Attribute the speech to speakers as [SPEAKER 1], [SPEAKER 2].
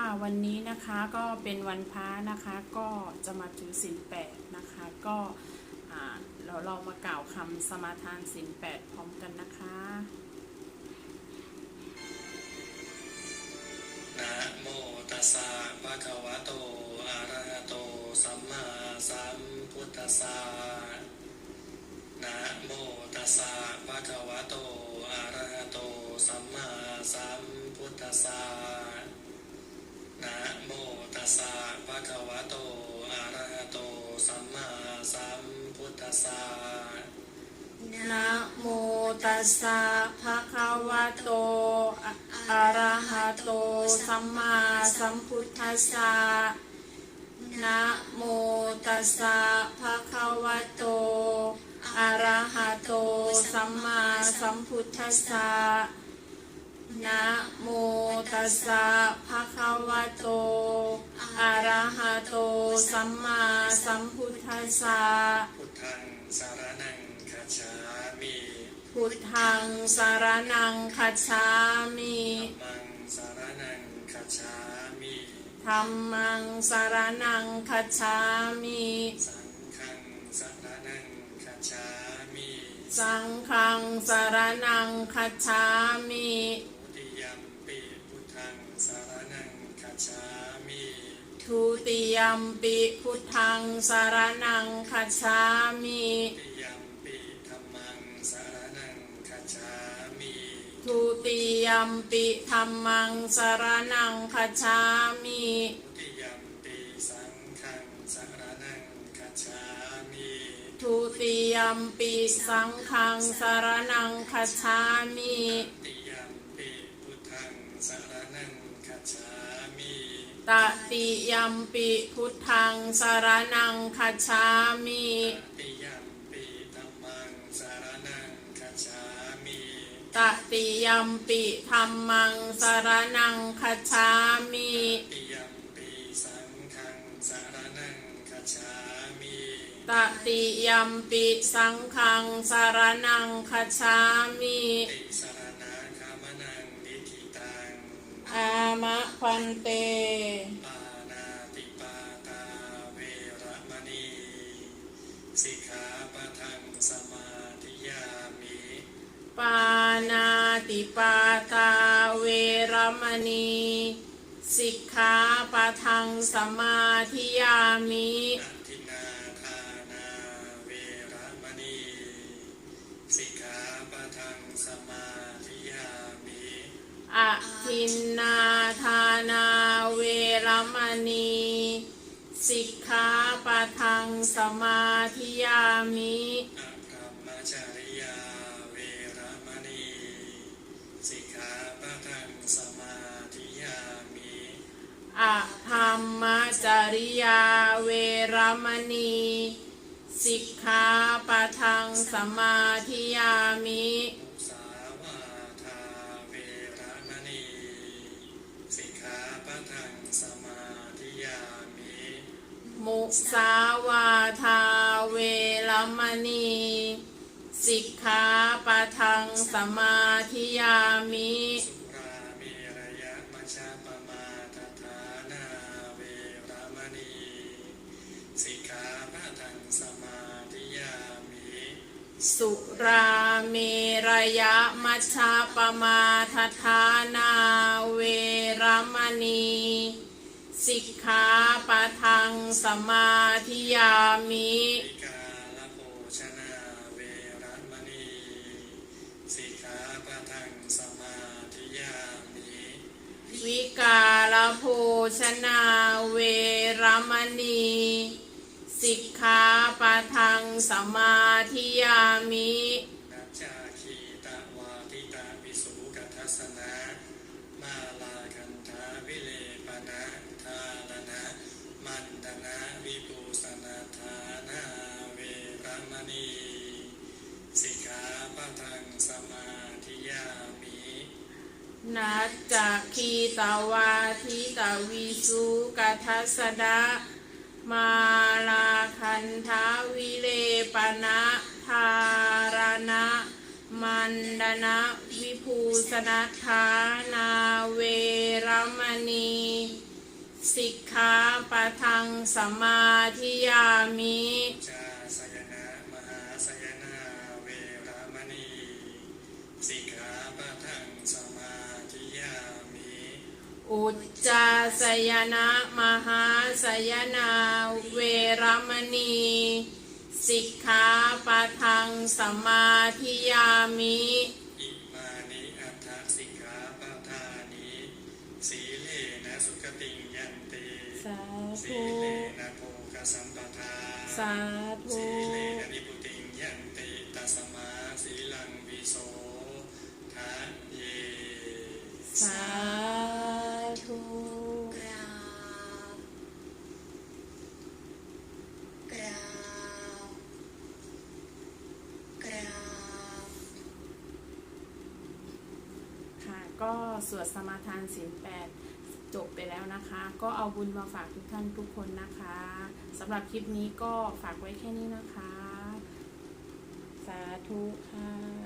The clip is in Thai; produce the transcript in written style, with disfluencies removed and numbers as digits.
[SPEAKER 1] วันนี้นะคะก็เป็นวันพระนะคะก็จะมาถือศีล8นะคะก็เรามากล่าวคำสมาทานศีล8พร้อมกันนะคะ
[SPEAKER 2] นะโมตัสสะภะคะวะโตอะระหะโตสัมมาสัมพุทธัสสะนะโมตัสสะภะคะวะโตอะระหะโตสัมมาสัมพุทธัสสะนะโมตัสสะภะคะวะโตอะระหะโตสัมมาสัมพุทธัสสะ
[SPEAKER 1] นะโมตัสสะภะคะวะโตอะระหะโตสัมมาสัมพุทธัสสะนะโมตัสสะภะคะวะโตอะระหะโตสัมมาสัมพุทธัสสะนะโมตัสสะภะคะวะโตอะระหะโตสัมมาสัมพุทธัสสะ
[SPEAKER 2] พุทธังสารนังคัจฉามิ
[SPEAKER 1] พุทธังสารนังคัจฉามิ
[SPEAKER 2] ธัมมังสารนังคัจฉามิ
[SPEAKER 1] ธัมมังสารนังคัจฉามิ
[SPEAKER 2] สังฆังสารนังคัจฉามิ
[SPEAKER 1] สังฆังสารนังคัจฉามิ
[SPEAKER 2] ทุติยัมปิพุทธังสารนังคัจฉามิ
[SPEAKER 1] ทุติยัมปิพุทธังสารนังคัจฉามิ
[SPEAKER 2] ทุติยัมปิธัมมังสารนังคัจฉามิ
[SPEAKER 1] ทุติยัมปิธัมมังสารนังคัจฉามิ
[SPEAKER 2] ทุติยัมปิสังฆังสารนังคัจฉามิ
[SPEAKER 1] ทุติยัมปิสังฆังสารนังคัจฉามิ
[SPEAKER 2] ตติยัมปิพุทธังสารนังคัจฉามิ
[SPEAKER 1] ตติยัมปิธัมมังสารนังคัจฉามิ
[SPEAKER 2] ตติยัมปิธัมมังสารนังคัจฉามิ
[SPEAKER 1] ตติยัมปิสังฆังสารนังคัจฉามิ
[SPEAKER 2] ตติยัมปิสังฆังสารนังคัจฉามิ
[SPEAKER 1] ติสรณะคามนังนิธิตัง
[SPEAKER 2] อามะพันเต
[SPEAKER 1] ปานาติปาตาเวระมณีสิกขาปะทังสมาธิยามิ
[SPEAKER 2] ปานาติปาตาเวรมณีสิกขาปะทังสมาธิยามิ
[SPEAKER 1] อทินนาทานาเวระมณีสิกขาปะทังสมาธิยามิ
[SPEAKER 2] อทินนาทานาเวรมณีสิกขาปะทังสมาธิยามิ
[SPEAKER 1] อพรหมจริยาเวระมณีสิกขาปะทังสมาธิยามิ
[SPEAKER 2] อธรรมจริยาเวรมณีสิกขาปะทังสมาธิยามิ
[SPEAKER 1] มุสาวาทาเวระมณีสิกขาปะทังสมาธิยามิ
[SPEAKER 2] มุสาวาทาเวรมณีสิกขาปะทังสมาธิยามิ
[SPEAKER 1] สุราเมรยมัชฌปมาทฐานาเวระมณีสิกขาปะทังสมาธิยามิ
[SPEAKER 2] สุราเมรยมัชฌปมาทฐานาเวรมณีสิกขาปะทังสมาธิยามิ
[SPEAKER 1] วิกาลโภชนาเวระมณีสิกขาปะทังสมาธิยามิ
[SPEAKER 2] วิกาลโภชนาเวรมณีสิกขาปะทังสมาธิยามิ
[SPEAKER 1] นัจจาคีตวาทิตาวิสุกัทสนะมาลาคันธาวิเลปนะทาลนะมันตนะวิปูสนาทานาเวระมณีสิกขาปะทังสมาธิยามิ
[SPEAKER 2] นัจจคีตวาทิตาวิสุกัทสนะมาลาคันธาวิเลปนะทารณะมันดนะวิภูสนัทธานาเวรมณี ส
[SPEAKER 1] สิกขาปะทังสมาธิยามิ
[SPEAKER 2] จาสยนะมหาสยนาเวรมณีสิกขาปะทังสมาธิยามิ
[SPEAKER 1] อุจจาสยนะมหาสยนาเวรมณีสิกขาปะทังสมาธิยามิ
[SPEAKER 2] อิมานิอัตถสิกขาปะทานิสีเลนะสุขติงยันติ
[SPEAKER 1] สา
[SPEAKER 2] สี
[SPEAKER 1] ธุ
[SPEAKER 2] เลนะโภคสัมปทา
[SPEAKER 1] สาธุ
[SPEAKER 2] สีเลนะนิพุติงยันติตัสมาสีลังวิโสทะเย
[SPEAKER 1] สาธุ
[SPEAKER 3] กราบกราบกราบ
[SPEAKER 1] ค่ะก็สวดสมาทานศีล8จบไปแล้วนะคะ ก็เอาบุญมาฝากทุกท่านทุกคนนะคะสำหรับคลิปนี้ก็ฝากไว้แค่นี้นะคะ สาธุค่ะ